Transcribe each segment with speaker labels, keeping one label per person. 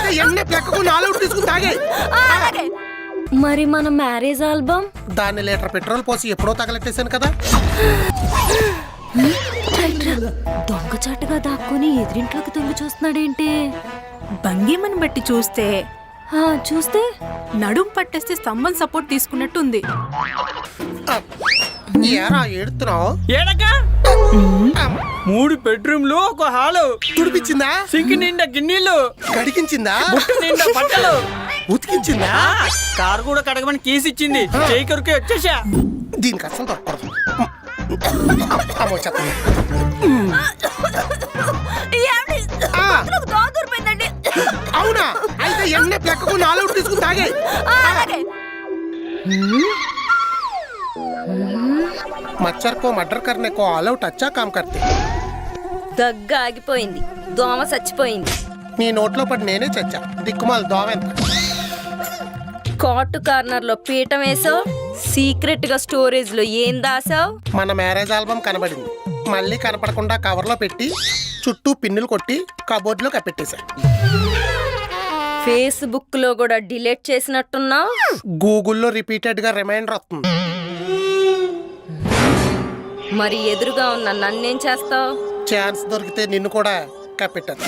Speaker 1: అయితే ఎన్న ప్లెక్కకు నాలుగు తీసుకుని తాగే.
Speaker 2: మరి మన మ్యారేజ్ ఆల్బమ్?
Speaker 1: దాన్ని లీటర్ పెట్రోల్ పోసి ఎప్పుడో తగలెట్టేశాను కదా.
Speaker 2: దొంగచాటుగా దాక్కుని ఎదురింట్లోకి తొంగి చూస్తున్నాడేంటి?
Speaker 3: భంగిమని బట్టి చూస్తే
Speaker 2: చూస్తే
Speaker 3: నడుం పట్టేస్తే స్తంభం సపోర్ట్ తీసుకున్నట్టుంది.
Speaker 1: ఏరా ఏడుతున్నావు?
Speaker 4: ఏడకా 3 బెడ్రూమ్లు, ఒక హాలు.
Speaker 1: తుడిపించిందా?
Speaker 4: సింక్ నిండా గిన్నెలు,
Speaker 1: కడిగించిందా?
Speaker 4: బుట్ట నిండా బట్టలు,
Speaker 1: ఉతికించిందా?
Speaker 4: కారు కూడా కడగమని కేసు ఇచ్చింది. చేయి కొరికి వచ్చేసా.
Speaker 1: దీనికి అసలు దొరకదు. అమ్మో చెప్పండి. అవునా? అయితే ఎన్న ప్లెక్కకు నాలుగు తీసుకుని తాగే. मच्छर को मर्डर करने को ऑल आउट अच्छा काम करते.
Speaker 2: దగ్గ ఆగిపోయింది, దోమ చచ్చిపోయింది.
Speaker 1: నీ నోట్లో పడి నేనే చచ్చా. దిక్కుమాల దోమ ఎంత.
Speaker 2: కాటు కార్నర్ లో పీఠం వేసావు, సీక్రెట్ గా స్టోరేజ్ లో ఏం దాసావు?
Speaker 1: మన మ్యారేజ్ ఆల్బమ్ కనబడింది. మళ్ళీ కనపడకుండా కవర్ లో పెట్టి చుట్టూ పిన్నులు కొట్టి కబోర్డ్ లో కప్పెట్టేశా.
Speaker 2: ఫేస్బుక్ లో కూడా డిలీట్ చేసినట్టున్నావు.
Speaker 1: గూగుల్లో రిపీటెడ్ గా రిమైండర్ వస్తుంది.
Speaker 2: మరి ఎదురుగా ఉన్న నన్నేం చేస్తావు?
Speaker 1: ఛాన్స్ దొరికితే నిన్ను కూడా కప్పెట్టాను.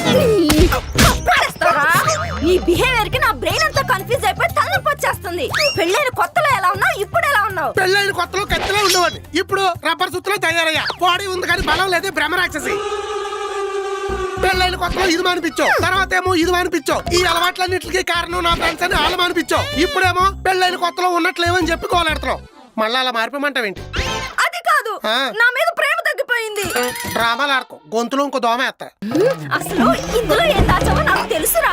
Speaker 2: నీ బిహేవియర్ కి నా బ్రెయిన్ అంతా కన్ఫ్యూజ్ అయిపోయి తలనొప్పి వచ్చేస్తుంది. పెళ్ళైన కొత్తలో ఎలా ఉన్నావు, ఇప్పుడు ఎలా ఉన్నావు?
Speaker 1: పెళ్ళైన కొత్తలో కత్తిలో ఉండేవాడిని, ఇప్పుడు రబ్బర్ సుత్తులో తయారయ్యా. బాడీ ఉంది కానీ బలం లేదే భ్రమరాక్షసి. పెళ్ళైన కొత్తలో ఇది మానిపించావు, తర్వాత ఏమో ఇది మానిపించావు. ఈ అలవాట్లన్నింటికి కారణం నా ఫ్రెండ్స్ అని వాళ్ళు మానిపించావు. ఇప్పుడేమో పెళ్ళైన కొత్తలో ఉన్నట్లేమని చెప్పి కోలాడుతున్నావు. మళ్ళీ అలా మారిపోమంటావేంటి?
Speaker 2: అది కాదు, నా మీద ప్రేమ తగ్గిపోయింది.
Speaker 1: డ్రామాలు ఆడుకో, గొంతులో ఇంకో దోమ ఎత్తా.
Speaker 2: అసలు ఇందులో ఏం దాచావో నాకు తెలుసురా.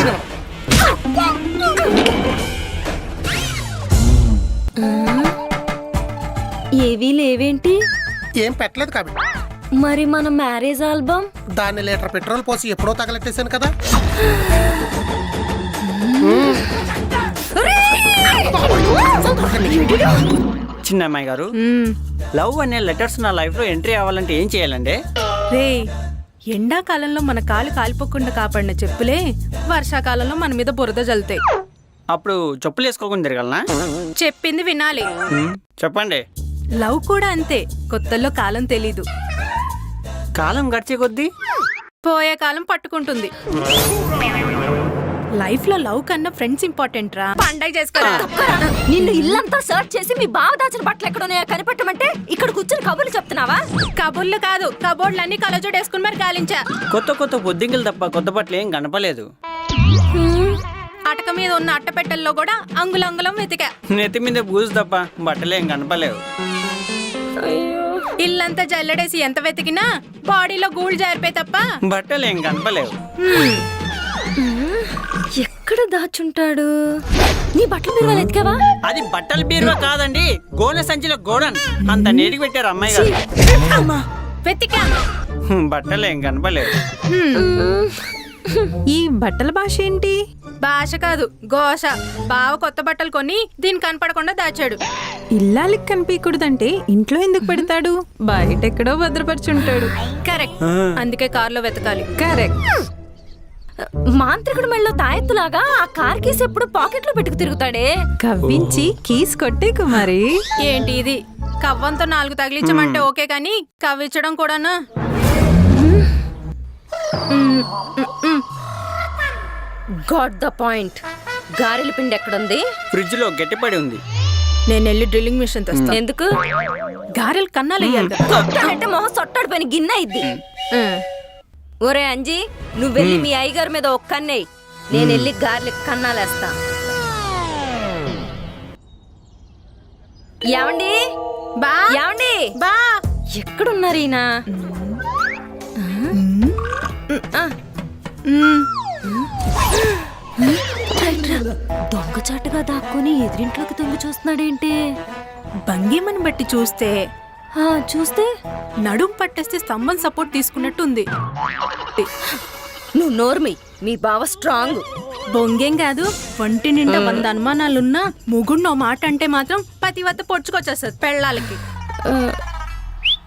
Speaker 2: ఏవీ లేవేంటి?
Speaker 1: ఏం పెట్టలేదు కాబట్టి.
Speaker 2: మరి మన మ్యారేజ్ ఆల్బమ్?
Speaker 1: దాన్ని లీటర్ పెట్రోల్ పోసి ఎప్పుడో తగలెట్టేశాను కదా.
Speaker 4: చిన్న అమ్మాయి గారు, లవ్ అనే లెటర్స్ నా లైఫ్ లో ఎంట్రీ అవ్వాలంటే ఏం చేయాలండి?
Speaker 3: రే, ఎండాకాలంలో మన కాలు కాలిపోకుండా కాపాడిన చెప్పులే వర్షాకాలంలో మన మీద బురద జల్లుతాయి.
Speaker 4: అప్పుడు చెప్పులు వేసుకోకుండా తిరగలనా?
Speaker 3: చెప్పింది వినాలి.
Speaker 4: చెప్పండి.
Speaker 3: లవ్ కూడా అంతే, కొత్తల్లో కాలం తెలీదు.
Speaker 4: కాలం గడిచే కొద్దీ
Speaker 3: పోయే కాలం పట్టుకుంటుంది. లైఫ్ లో లవ్ కన్నా ఫ్రెండ్స్ ఇంపార్టెంట్ రా. పండగ చేసుకోరా.
Speaker 2: నిన్ను ఇల్లంతా సర్చ్ చేసి మీ బావ దాచిన బట్టలు ఎక్కడున్నాయో కనిపెట్టమంటే ఇక్కడ కూర్చొని కబుర్లు చెప్తున్నావా?
Speaker 3: కబుర్లు కాదు, కబోర్డ్లన్నీ కలజోడేసుకుని మరి కాలించా.
Speaker 4: కొత్త బొద్దింకలు తప్ప కొత్త బట్టలు ఏం కనపలేదు.
Speaker 3: అటక మీద ఉన్న అట్టపెట్టెల్లో కూడా అంగుళంగుళం వెతికా.
Speaker 4: నెత్తి మీద బూజు తప్ప బట్టలు ఏం కనపలేవు.
Speaker 3: ఇల్లంతా జల్లడేసి ఎంత వెతికినా బాడీలో గూళ్ళు జారిపోయి తప్ప
Speaker 4: బట్టలు ఏం కనపలేవు.
Speaker 2: ఎక్కడ దాచుంటాడు? నీ బట్టలు బీరువాలో ఎతికావా?
Speaker 4: అది బట్టల బీరువా కాదండి, గోనె సంచిలో గోడన్. అంత నీటికి పెట్టారు అమ్మాయి గారు.
Speaker 3: వెతికా,
Speaker 4: బట్టలు ఏం కనపలేవు.
Speaker 5: ఈ బట్టల భాష ఏంటి?
Speaker 3: భాష కాదు, ఘోష. బావ కొత్త బట్టలు కొని దీని కనపడకుండా దాచాడు.
Speaker 5: ఇల్లాలికి కనిపించకూడదంటే ఇంట్లో ఎందుకు పెడతాడు? బయట ఎక్కడో భద్రపరుచుంటాడు.
Speaker 3: కరెక్ట్, అందుకే కార్లో వెతకాలి.
Speaker 5: కరెక్ట్.
Speaker 2: మాంత్రికుడు మెళ్ళలో తాయెత్తులాగా ఆ కార్ కీస్ ఎప్పుడు పాకెట్ లో పెట్టుకు తిరుగుతాడే.
Speaker 5: కవ్వించి కీస్ కొట్టే కుమారి.
Speaker 3: ఏంటి ఇది? కవ్వంతో 4 తగిలించమంటే ఓకే, కానీ కవ్వించడం కూడానా?
Speaker 2: Got the point. గారెల పిండి ఎక్కడుంది?
Speaker 4: ఫ్రిడ్జ్ లో గట్టిపడి ఉంది.
Speaker 3: నేను వెళ్ళి డ్రిల్లింగ్ మిషన్ తెస్తా.
Speaker 2: ఎందుకు?
Speaker 3: గారెలు కన్నాలు వేయాలి.
Speaker 2: అంటే మొహం సొట్టాడిపోయిన గిన్నె ఇద్ది. ఒరే అంజీ, నువ్వు వెళ్ళి మీ అయ్యగారి మీద ఒక కన్నేయి, నేను వెళ్ళి గారెలకు కన్నాలేస్తా. ఏమండి?
Speaker 3: బా
Speaker 2: ఏమండి?
Speaker 3: బా
Speaker 2: ఎక్కడున్నారు ఈయన? దొంగచాటుగా దాక్కుని ఎదురింట్లోకి తొంగి చూస్తున్నాడేంటి?
Speaker 3: భంగిమని బట్టి చూస్తే నడుం పట్టేస్తే స్తంభం సపోర్ట్ తీసుకున్నట్టుంది.
Speaker 2: నువ్వు నోర్మి, మీ బావ స్ట్రాంగ్.
Speaker 3: బొంగేం కాదు, ఒంటి నిండా 100 అనుమానాలున్నా ముగుండో మాట అంటే మాత్రం పతివత్త పొడుచుకొచ్చేస్తుంది పెళ్ళాలకి.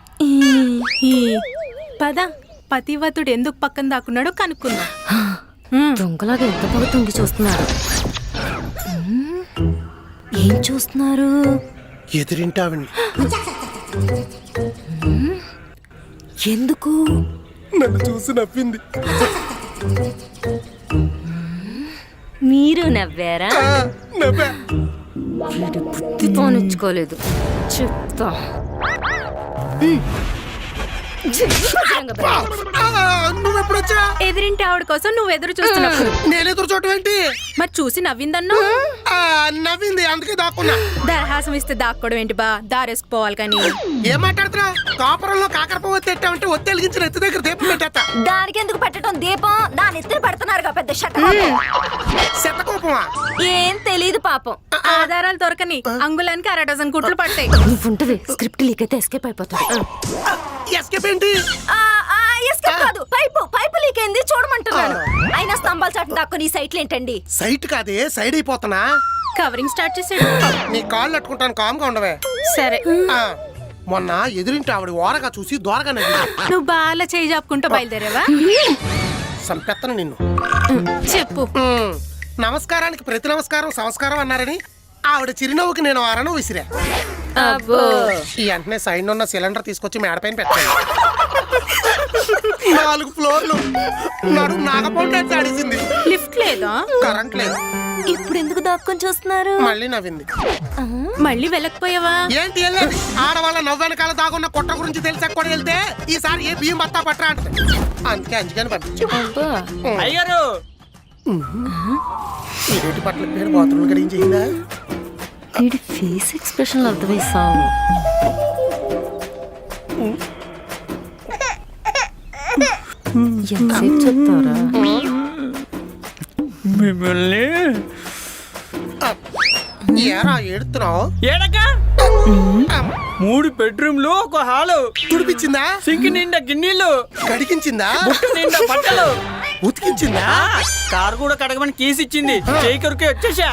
Speaker 3: పద, పతివతుడు ఎందుకు పక్కన దాక్కున్నాడో కనుక్కుందా.
Speaker 2: దొంగలాగా ఎంత బాగా తొంగి చూస్తున్నారు. ఏం చూస్తున్నారు?
Speaker 1: ఎదురింటావిని
Speaker 2: ఎందుకు?
Speaker 1: నన్ను చూసి నవ్వింది.
Speaker 2: మీరు నవ్వారా?
Speaker 1: నవ్వా.
Speaker 2: వీడు బుద్ధి పోనిచ్చుకోలేదు. చెప్తా.
Speaker 1: నువ్వెప్పుడొచ్చా?
Speaker 3: ఎదిరింటి ఆవిడ కోసం నువ్వు ఎదురు చూస్తున్నప్పుడు
Speaker 1: నేను ఎదురు చూడటం ఏంటి?
Speaker 3: మరి చూసి నవ్విందన్నా.
Speaker 1: నవ్వింది, అందుకే దాక్కున్నా.
Speaker 3: దరహాసం ఇస్తే దాక్కోవడం ఏంటి బా, దారేసుకుపోవాలి కానీ.
Speaker 1: ఏం మాట్లాడుతున్నావు? కాపురంలో కాకరపు ఒత్తి ఎట్టామంటే ఒత్తి వెలిగించిన ఎత్తు దగ్గర దీపం పెట్టేస్తా.
Speaker 2: దానికి ఎందుకు పెట్టడం దీపం? దాని ఎత్తున పెడుతున్నారుగా పెద్ద షట్ట.
Speaker 1: శతకోపమా?
Speaker 2: ఏం తెలీదు పాపం.
Speaker 3: ఆధారాలు దొరకని అంగుళానికి 1/2 డజన్ కుట్లు పడతాయి.
Speaker 2: నువ్వుంటది స్క్రిప్ట్ లీక్ అయితే ఎస్కేప్ అయిపోతాడు.
Speaker 1: ఎస్కేప్ ఏంటి?
Speaker 2: ఎస్కేప్ కాదు, పైపు లీక్ అయింది చూడమంటున్నాను. అయినా స్తంభాల చాటు దాక్కుని ఈ సైట్లు ఏంటండి?
Speaker 1: సైట్ కాదే, సైడ్ అయిపోతున్నా.
Speaker 3: కవరింగ్ స్టార్ట్ చేసాడు.
Speaker 1: నీ కాళ్ళు అట్టుకుంటాను, కామ్గా ఉండవే.
Speaker 3: సరే,
Speaker 1: మొన్న ఎదురింటి ఆవిడ ఓరగా చూసి దోరగా నవ్వి
Speaker 3: నువ్వు బాగా చేయి జాపుకుంటూ బయలుదేరావా?
Speaker 1: సంపెత్తను నిన్ను.
Speaker 3: చెప్పు.
Speaker 1: నమస్కారానికి ప్రతి నమస్కారం సంస్కారం అన్నారని ఆవిడ చిరునవ్వుకి నేను అరణం విసిరా.
Speaker 3: అబ్బో,
Speaker 1: ఈ వెంటనే సైడ్ ఉన్న సిలిండర్ తీసుకొచ్చి మేడపైన పెట్టాను. 4 ఫ్లోర్లు నడుము నాగపౌండ్ ఆడిసింది.
Speaker 3: లిఫ్ట్ లేదా?
Speaker 1: కరెంట్ లేదు.
Speaker 2: ఇప్పుడు ఎందుకు దాక్కొని చూస్తున్నారు?
Speaker 1: మళ్ళీ నవ్వింది.
Speaker 3: మళ్ళీ వెళ్ళకపోయావా?
Speaker 1: ఏంటి వెళ్ళేది? ఆడవాళ్ళ నవ్వెనకాల దాగున్న కుట్ర గురించి తెలిసాక కూడా వెళ్తే ఈసారి ఏ బియ్యం బత్తా పట్టరా అంటది. అందుకే అంచుకని పంపించు.
Speaker 4: అయ్యారు
Speaker 1: ఈ రేటు పట్ల పేరు బాత్రూమ్ గడించిందా?
Speaker 2: వీడి ఫేస్ ఎక్స్ప్రెషన్ అర్థమై సావు. ఎంతసేపు చెప్తారా?
Speaker 4: మిమ్మల్ని
Speaker 1: ఏరా ఏడుతున్నావు?
Speaker 4: ఏడక 3 బెడ్రూమ్లు, ఒక హాలు,
Speaker 1: తుడిపించిందా?
Speaker 4: సింక్ నిండా గిన్నెలు,
Speaker 1: కడిగించిందా?
Speaker 4: బుట్ట నిండా బట్టలు,
Speaker 1: ఉతికించిందా?
Speaker 4: కారు కూడా కడగమని కేసు ఇచ్చింది. చేయి కొరికి వచ్చేసా.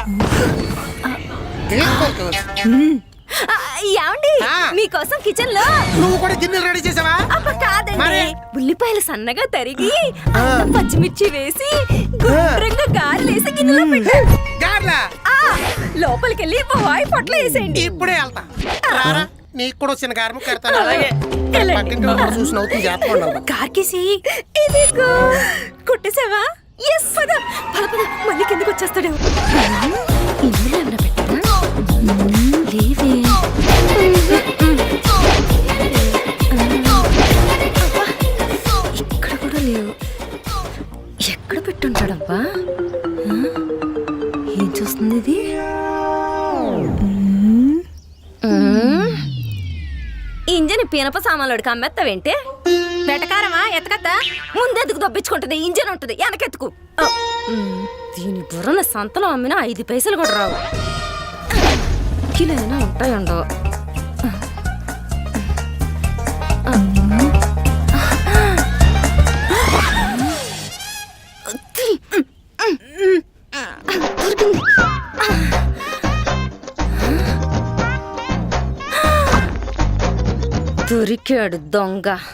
Speaker 2: ఏమండి, మీకోసం కిచెన్ లో
Speaker 1: నువ్వు కూడా గిన్నెలు రెడీ చేసావా?
Speaker 2: కాదండి, ఉల్లిపాయలు సన్నగా తరిగి అల్లం పచ్చిమిర్చి వేసి గుండ్రంగా గారెలేసి గిన్నెలో పెట్టాను.
Speaker 1: గార్లా
Speaker 2: లోపలికి వెళ్ళి బాయ్ పొట్ల వేసేయండి.
Speaker 1: ఇప్పుడే వెళ్తా. రారా, నీకు కూడా చిన్న గారము కడతాను.
Speaker 4: అలాగే.
Speaker 1: పక్కింటి వాళ్ళు చూసి నవ్వుతుంది, జాగ్రత్తగా ఉండాలి.
Speaker 3: కార్కేసి
Speaker 2: ఇదిగో
Speaker 3: కొట్టేసావా?
Speaker 2: ఎస్ పద పద పద, మళ్ళీ కిందకి వచ్చేస్తాడు. ఇందులో ఏమైనా పెట్టారా? లేవే. ఇక్కడ కూడా లేవు. ఎక్కడ పెట్టుంటాడబ్బా? ఏం చూస్తుంది ఇది? ఇంజన్ పీనప సామాన్లోడికి అమ్మేస్తావేంటే?
Speaker 3: వెటకారమా ఎతకత్తా?
Speaker 2: ముందెందుకు దొబ్బించుకుంటది? ఇంజన్ ఉంటుంది వెనకెత్తుకు. దీని బుర్రన సంతలో అమ్మినా 5 పైసలు కూడా రావు. కిలో అయినా ఉంటాయండో. దొరికాడు దొంగ.